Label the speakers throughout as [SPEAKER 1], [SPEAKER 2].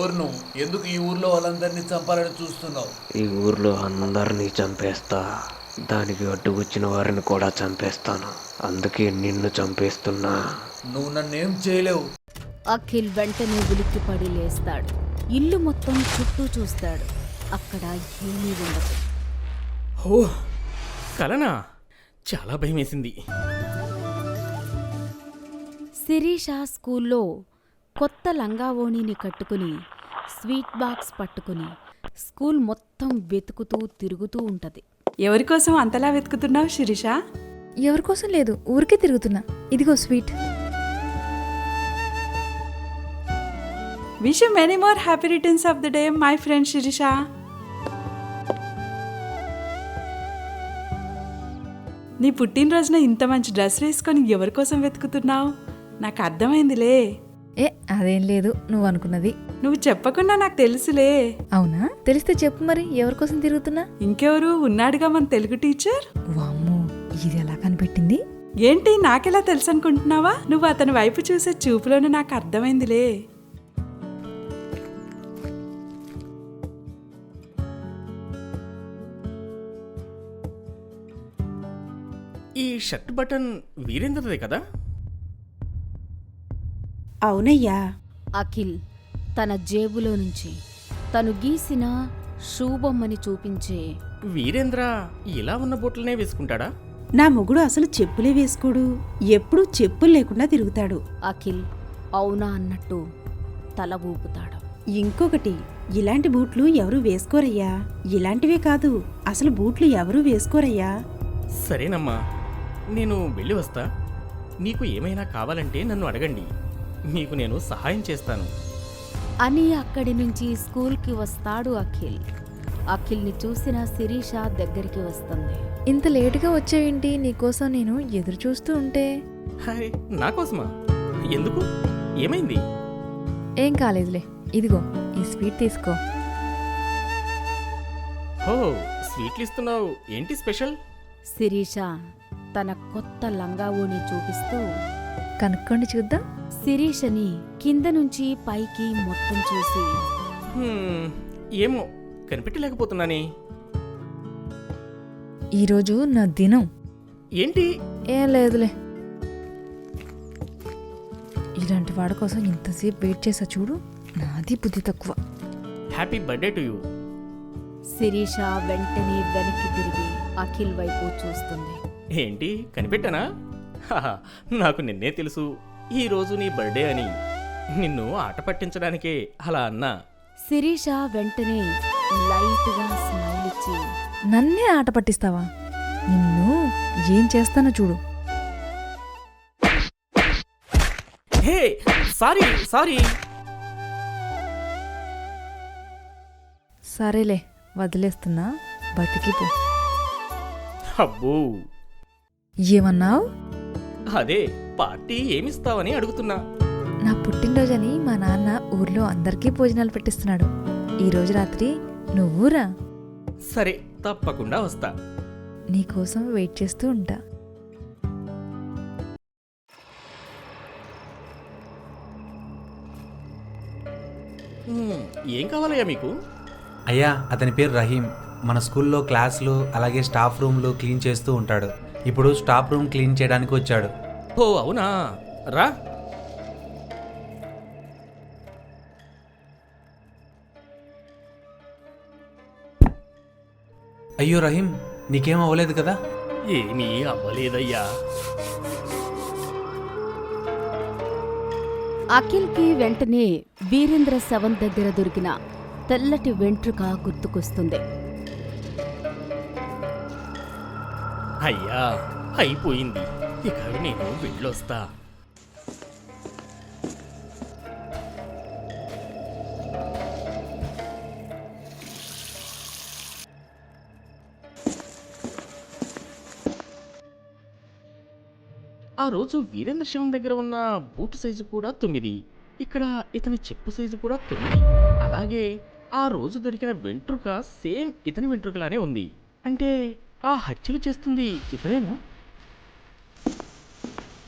[SPEAKER 1] ఎవరు నువ్వు? ఎందుకు ఈ ఊర్లో వాళ్ళందరినీ చంపాలని చూస్తున్నావు?
[SPEAKER 2] ఈ ఊర్లో అందరినీ చంపేస్తా, దానికి అడ్డుకొచ్చిన వారిని కూడా చంపేస్తాను. అందుకే నిన్ను చంపేస్తున్నా.
[SPEAKER 1] నువ్వు నన్నేం చేయలేవు.
[SPEAKER 3] అఖిల్ వెంటనే ఉలిక్కిపడి లేస్తాడు. ఇల్లు మొత్తం చుట్టూ చూస్తాడు. అక్కడ ఏమీ ఉండదు.
[SPEAKER 4] ఓ కలనా? చాలా భయమేసింది.
[SPEAKER 3] శిరీష స్కూల్లో కొత్త లంగావోణిని కట్టుకుని స్వీట్ బాక్స్ పట్టుకుని స్కూల్ మొత్తం వెతుకుతూ తిరుగుతూ ఉంటది.
[SPEAKER 5] ఎవరికోసం అంతలా వెతుకుతున్నావు శిరీష?
[SPEAKER 6] ఎవరికోసం లేదు, ఊరికే తిరుగుతున్నా. ఇదిగో sweet.
[SPEAKER 5] Wish you many more happy returns of the day my friend Shirisha. నీ పుట్టినరోజున ఇంత మంచి డ్రెస్ వేసుకొని ఎవరికోసం వెతుకుతున్నావు? నాకు అర్థమైందిలే.
[SPEAKER 6] అదేం లేదు, నువ్వు అనుకున్నది.
[SPEAKER 5] నువ్వు చెప్పకుండా నాకు తెలుసులే.
[SPEAKER 6] అవునా? తెలిస్తే చెప్పు మరి, ఎవరికోసం తిరుగుతున్నా?
[SPEAKER 5] ఇంకెవరు ఉన్నాడుగా మన తెలుగు టీచర్.
[SPEAKER 6] వామ్మో, ఇది ఎలా కనిపెట్టింది?
[SPEAKER 5] ఏంటి నాకెలా తెలుసు అనుకుంటున్నావా? నువ్వు అతని వైపు చూసే చూపులోనే నాకు అర్థమైందిలే.
[SPEAKER 4] ఈ షర్ట్ బటన్ వీరేంద్రదే కదా?
[SPEAKER 5] అవునయ్యా.
[SPEAKER 3] అఖిల్ తన జేబులో నుంచి తను గీసిన షూ బొమ్మని చూపించే,
[SPEAKER 4] వీరేంద్ర ఇలా ఉన్న బూట్లనే వేసుకుంటాడా?
[SPEAKER 7] నా మొగుడు అసలు చెప్పులే వేసుకోడు, ఎప్పుడూ చెప్పులు లేకుండా తిరుగుతాడు.
[SPEAKER 3] అఖిల్ అవునా అన్నట్టు తల ఊపుతాడు.
[SPEAKER 7] ఇంకొకటి, ఇలాంటి బూట్లు ఎవరూ వేసుకోరయ్యా. ఇలాంటివే కాదు, అసలు బూట్లు ఎవరూ వేసుకోరయ్యా.
[SPEAKER 4] సరేనమ్మా, నేను వెళ్ళి వస్తా. మీకు ఏమైనా కావాలంటే నన్ను అడగండి, మీకు నేను సహాయం చేస్తాను
[SPEAKER 3] అని అక్కడి నుంచి స్కూల్కి వస్తాడు అఖిల్. అఖిల్ని చూసిన శిరీష దగ్గరికి వస్తుంది.
[SPEAKER 6] ఇంత లేటుగా వచ్చావేంటి? నీకోసం నేను ఎదురు చూస్తూ ఉంటే.
[SPEAKER 4] హాయ్, నా కోసమా? ఎందుకు? ఏమైంది?
[SPEAKER 6] ఏం కాలేదులే, ఇదిగో ఈ స్వీట్ తీసుకో.
[SPEAKER 4] హో, స్వీట్లు ఇస్తున్నావు, ఏంటి స్పెషల్?
[SPEAKER 3] శిరీష తన కొత్త లంగావోని చూపిస్తూ
[SPEAKER 6] కనుక్కోండి చూద్దాం.
[SPEAKER 3] శిరీషని కింద నుంచి పైకి మొత్తం చూసి,
[SPEAKER 4] ఏమో కనిపెట్టలేకపోతున్నానే.
[SPEAKER 6] ఈరోజు నా దినం.
[SPEAKER 4] ఏంటి?
[SPEAKER 6] ఏం లేదులే. ఇలాంటి వాడి కోసం ఇంతసేపు వెయిట్ చేసా చూడు, నాది బుద్ధి తక్కువ.
[SPEAKER 4] Happy birthday to you.
[SPEAKER 3] Shirisha వెంటనే వెనక్కి తిరిగి అఖిల్ వైపు చూస్తుంది.
[SPEAKER 4] ఏంటి కనిపెట్టానా? హాహా, నాకు నిన్నే తెలుసు ఈ రోజు నీ బర్త్డే అని. నిన్ను ఆట పట్టించడానికే అలా అన్నా.
[SPEAKER 3] శిరీష వెంటనే లైట్గా స్మైల్ ఇచ్చి,
[SPEAKER 6] నన్నే ఆట పట్టిస్తావా? నిన్ను ఏం చేస్తానో చూడు.
[SPEAKER 4] Hey, sorry sorry.
[SPEAKER 6] సరేలే, వదిలేస్తున్నా, బతికిపో.
[SPEAKER 4] అబ్బో,
[SPEAKER 6] ఏమన్నావు?
[SPEAKER 4] అదే పార్టీ ఏమిస్తావని అడుగుతున్నా.
[SPEAKER 6] నా పుట్టినరోజని మా నాన్న ఊర్లో అందరికీ భోజనాలు పెట్టిస్తున్నాడు. ఈరోజు రాత్రి నువ్వురా.
[SPEAKER 4] సరే, తప్పకుండా వస్తా.
[SPEAKER 6] నీకోసం వెయిట్ చేస్తూ ఉంటా.
[SPEAKER 4] ఏం కావాలయ్యా మీకు?
[SPEAKER 8] అయ్యా, అతని పేరు రహీం. మన స్కూల్లో క్లాసులు అలాగే స్టాఫ్ రూమ్లు క్లీన్ చేస్తూ ఉంటాడు. ఇప్పుడు స్టాఫ్ రూమ్ క్లీన్ చేయడానికి వచ్చాడు.
[SPEAKER 4] ఓ అవునా, రా.
[SPEAKER 8] అయ్యో రహీం, నీకేం అవ్వలేదు కదా?
[SPEAKER 4] ఏమీ అవ్వలేదయ్యా.
[SPEAKER 3] అఖిల్కి వెంటనే వీరేంద్ర శవం దగ్గర దొరికిన తెల్లటి వెంట్రుక గుర్తుకొస్తుంది.
[SPEAKER 4] అయ్యా, అయిపోయింది, ఇక నేను వెళ్ళొస్తా. ఆ రోజు వీరేంద్ర శివం దగ్గర ఉన్న బూట్ సైజు కూడా 9, ఇక్కడ ఇతని చెప్పు సైజు కూడా 9. అలాగే ఆ రోజు దొరికిన వెంట్రుక సేమ్ ఇతని వెంట్రుకలానే ఉంది. అంటే ఆ హత్యలు చేస్తుంది ఇతనేనా?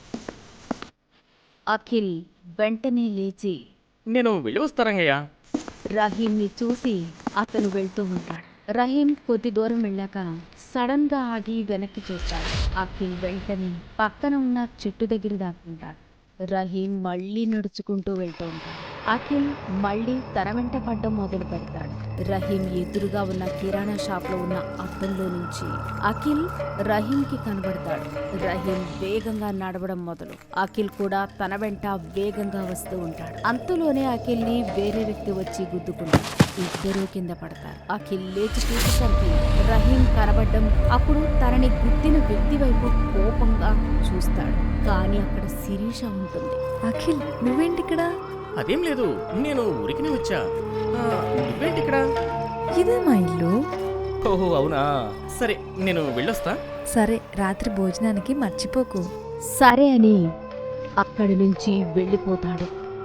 [SPEAKER 3] అఖిల్ వెంటనే లేచి,
[SPEAKER 4] నేను వెళ్ళి వస్తారంగయ్యా.
[SPEAKER 3] రహీంని చూసి అతను వెళ్తూ ఉంటాడు. రహీం కొద్ది దూరం వెళ్ళాక సడన్ గా ఆగి వెనక్కి చూస్తాడు. అఖిల్ వెంటనే పక్కన ఉన్న చెట్టు దగ్గర దాక్కుంటాడు. రహీం మళ్ళీ నడుచుకుంటూ వెళ్తూ ఉంటాడు. అఖిల్ మళ్ళీ తన వెంట పడ్డం మొదలు పెడతాడు. రహీం ఎదురుగా ఉన్న కిరాణా షాప్ లో ఉన్న అద్దంలో నుంచి అఖిల్ రహీంకి కనబడతాడు. రహీం వేగంగా నడవడం మొదలు అఖిల్ కూడా తన వెంట వేగంగా వస్తూ ఉంటాడు. అంతలోనే అఖిల్ ని వేరే వ్యక్తి వచ్చి గుద్దుకుంటాడు. ఇద్దరూ కింద పడతారు. అఖిల్ లేచి చూసేసరికి రహీం కనబడ్డం, అప్పుడు తనని గుద్దిన వ్యక్తి వైపు కోపంగా చూస్తాడు. కానీ అక్కడ శిరీష ఉంటుంది.
[SPEAKER 6] అఖిల్ నువ్వేంటి ఇక్కడ?
[SPEAKER 4] అదేం లేదు, నేను ఊరికినే వచ్చా. నువ్వేంటి ఇక్కడ?
[SPEAKER 6] ఇదే మా ఇల్లు.
[SPEAKER 4] ఓహో అవునా, సరే నేను వెళ్ళొస్తా.
[SPEAKER 6] సరే, రాత్రి భోజనానికి మర్చిపోకు.
[SPEAKER 3] సరే అని అక్కడి నుంచి వెళ్ళిపోతాడు.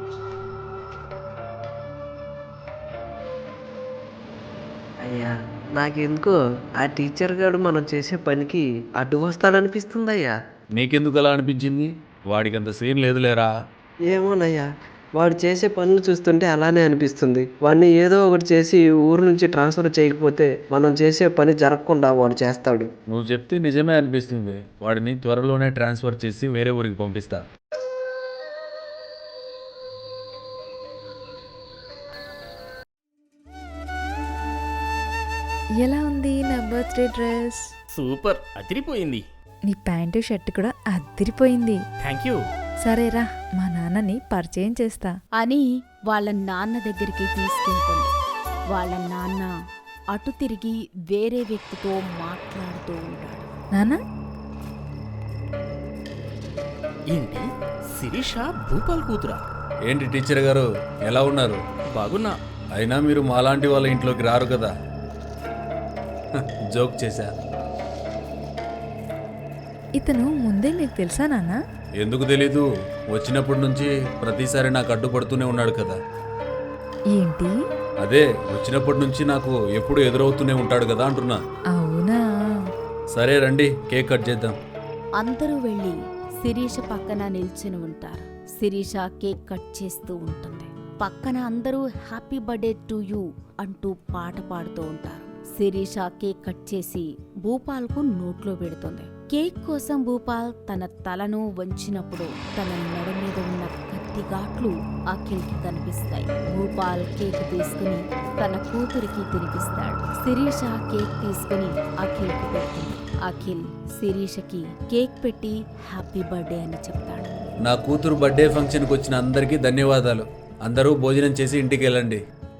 [SPEAKER 2] అయ్యా, నాకెందుకో ఆ టీచర్ గారు మనం చేసే పనికి అడ్డు వస్తాడనిపిస్తుందయ్యా.
[SPEAKER 1] నీకెందుకు అలా అనిపించింది? వాడికంత సీన్ లేదులేరా.
[SPEAKER 2] ఏమోనయ్యా, వాడు చేసే పనులు చూస్తుంటే అలానే అనిపిస్తుంది. వాడిని ఏదో ఒకటి చేసి ఊరు నుంచి ట్రాన్స్ఫర్ చేయకపోతే మనం చేసే పని జరగకుండా వాడు చేస్తాడు.
[SPEAKER 1] నువ్వు చెప్తే నిజమే అనిపిస్తుంది. వాడిని త్వరలోనే ట్రాన్స్ఫర్ చేసి వేరే ఊరికి పంపిస్తా.
[SPEAKER 6] ఎలా ఉంది నా బర్త్డే డ్రెస్?
[SPEAKER 4] సూపర్, అదిరిపోయింది.
[SPEAKER 6] నీ ప్యాంటు షర్ట్ కూడా అద్దిరిపోయింది.
[SPEAKER 4] Thank you.
[SPEAKER 6] సరేరా, మా నాన్నని పరిచయం చేస్తా
[SPEAKER 3] అని వాళ్ళ నాన్న దగ్గరికి తీసుకెళ్తుంది. వాళ్ళ నాన్న అటు తిరిగి వేరే వ్యక్తితో మాట్లాడుతూ ఉంటాడు.
[SPEAKER 6] నాన్న,
[SPEAKER 4] ఏంటి శిరీష భూపాల్ కూతురా?
[SPEAKER 1] ఏంటి టీచర్ గారు, ఎలా ఉన్నారు?
[SPEAKER 4] బాగున్నా.
[SPEAKER 1] అయినా మీరు మాలాంటి వాళ్ళ ఇంట్లోకి రారు కదా. జోక్ చేశా.
[SPEAKER 6] ఇతను ముందే మీకు తెలుసా నాన్న?
[SPEAKER 1] ఎందుకు తెలీదు, వచ్చినప్పటి నుంచి ప్రతిసారి నాకు అడ్డుపడుతూనే ఉన్నాడు కదా.
[SPEAKER 6] ఏంటి?
[SPEAKER 1] అదే, వచ్చినప్పటి నుంచి నాకు ఎప్పుడు ఎదురవుతూనే ఉంటాడు కదా అంటున్నా.
[SPEAKER 6] అవునా?
[SPEAKER 1] సరే రండి, కేక్ కట్ చేద్దాం.
[SPEAKER 3] అందరూ వెళ్ళి శిరీష పక్కన నిల్చుని ఉంటారు. శిరీష కేక్ కట్ చేస్తూ ఉంటుంది. పక్కన అందరూ హ్యాపీ బర్త్డే టు యూ అంటూ పాట పాడుతూ ఉంటారు. శిరీష కేక్ కట్ చేసి భూపాల్కు నోట్లో పెడుతుంది. కేక్ కోసం భూపాల్ తన తలను వంచినప్పుడు తన మెడ మీద ఉన్న కత్తి ఘాట్లు అఖిల్కి కనిపిస్తాయి. భూపాల్ కేక్ తీసుకుని తన కూతురికి తినిపిస్తాడు. శిరీష కేక్ తీసుకుని అఖిల్కి పెడుతుంది. అఖిల్ శిరీషకి కేక్ పెట్టి హ్యాపీ బర్త్డే అని చెప్తాడు.
[SPEAKER 1] నా కూతురు బర్త్డే ఫంక్షన్కి వచ్చిన అందరికీ ధన్యవాదాలు. అందరూ భోజనం చేసి ఇంటికి వెళ్ళండి.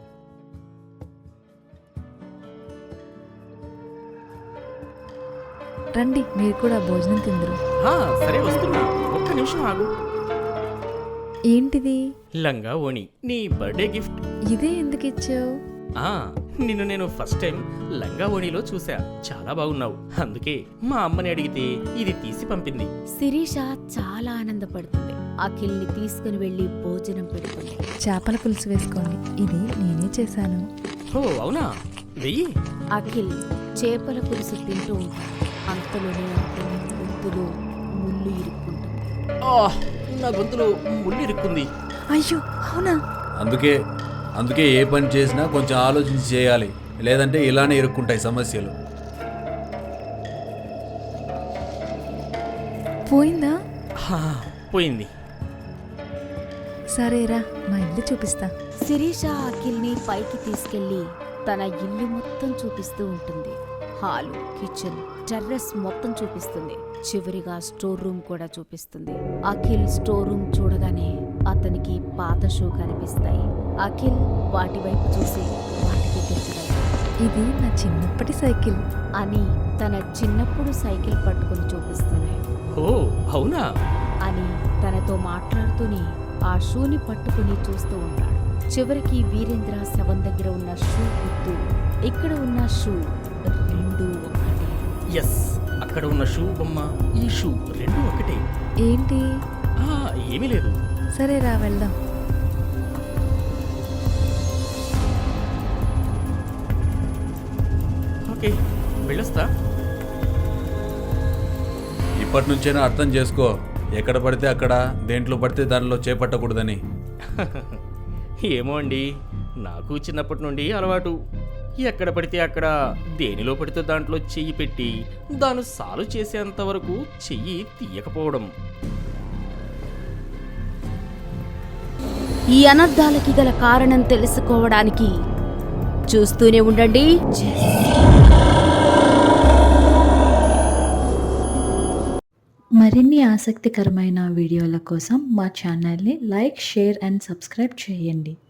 [SPEAKER 6] రండి, మీరు కూడా భోజనం తిందురు.
[SPEAKER 4] సరే వస్తున్నా, ఒక్క నిమిషం ఆగు.
[SPEAKER 6] ఏంటిది?
[SPEAKER 4] లంగా ఓణి, నీ బర్త్డే గిఫ్ట్.
[SPEAKER 6] ఇదే ఎందుకు ఇచ్చావు?
[SPEAKER 4] నిన్ను నేను ఫస్ట్ టైం లంగా ఓణిలో చూసా, చాలా బాగున్నావు. అందుకే మా అమ్మని అడిగితే ఇది తీసి పంపింది.
[SPEAKER 3] శిరీష చాలా ఆనందపడుతుంది. అఖిల్ని తీసుకుని వెళ్లి భోజనం పెడుతుంది.
[SPEAKER 6] చేపల పులుసు వేసుకోండి, ఇది నేనే చేశాను.
[SPEAKER 4] ఓ అవునా, వెయ్యి.
[SPEAKER 3] అఖిల్ చేపల పులుసు తింటూ ఉంటాడు. అంతలోనే అతని గొంతులో ముళ్ళు ఇరుక్కుంటుంది.
[SPEAKER 4] నా గొంతులో ముళ్ళు ఇరుక్కుంది.
[SPEAKER 6] అయ్యో అవునా?
[SPEAKER 1] అందుకే ఏ పని చేసినా కొంచెం ఆలోచించి చేయాలి, లేదంటే ఇలానే ఇరుక్కుంటాయి సమస్యలు.
[SPEAKER 6] పోయిందా?
[SPEAKER 4] పోయింది.
[SPEAKER 6] సరేరా, మా ఇల్లు చూపిస్తా.
[SPEAKER 3] శిరీష అఖిల్ని పైకి తీసుకెళ్లి తన ఇల్లు మొత్తం చూపిస్తూ ఉంటుంది. హాలు, కిచెన్, టెర్రస్ మొత్తం చూపిస్తుంది. చివరిగా స్టోర్ రూమ్ కూడా చూపిస్తుంది. అఖిల్ స్టోర్ రూమ్ చూడగానే అతనికి పాత షూ కనిపిస్తాయి. అఖిల్ వాటి వైపు చూసి వాటికి గుర్తురాయి.
[SPEAKER 6] ఇది నా చిన్నప్పటి సైకిల్
[SPEAKER 3] అని తన చిన్నప్పుడు సైకిల్ పట్టుకుని చూపిస్తుంది.
[SPEAKER 4] ఓ అవునా
[SPEAKER 3] అని తనతో మాట్లాడుతూనే ఆ షూని పట్టుకుని చూస్తూ ఉంటాడు. చివరికి వీరేంద్ర శవం దగ్గర ఉన్న షూ గుర్తు, ఇక్కడ ఉన్న షూ రెండు ఒకటే.
[SPEAKER 4] ఎస్, అక్కడ ఉన్న షూ బొమ్మ, ఈ షూ రెండు ఒకటే.
[SPEAKER 6] ఏంటి?
[SPEAKER 4] ఏమీ లేదు.
[SPEAKER 6] సరేరా, వెళ్దాం.
[SPEAKER 4] ఓకే, వెళ్ళొస్తా.
[SPEAKER 1] ఇప్పటి నుంచైనా అర్థం చేసుకో, ఎక్కడ పడితే అక్కడ, దేంట్లో పడితే దానిలో చేపట్టకూడదని.
[SPEAKER 4] ఏమో అండి, నాకు చిన్నప్పటి నుండి అలవాటు. ఎక్కడ పడితే అక్కడ, దేనిలో పడితే దాంట్లో చెయ్యి పెట్టి దాన్ని సాల్వ్ చేసేంత వరకు చెయ్యి తీయకపోవడం.
[SPEAKER 3] ఈ అనర్థాలకి గల కారణం తెలుసుకోవడానికి చూస్తూనే ఉండండి.
[SPEAKER 9] మరిన్ని ఆసక్తికరమైన వీడియోల కోసం మా ఛానల్ని లైక్, షేర్ అండ్ సబ్స్క్రైబ్ చేయండి.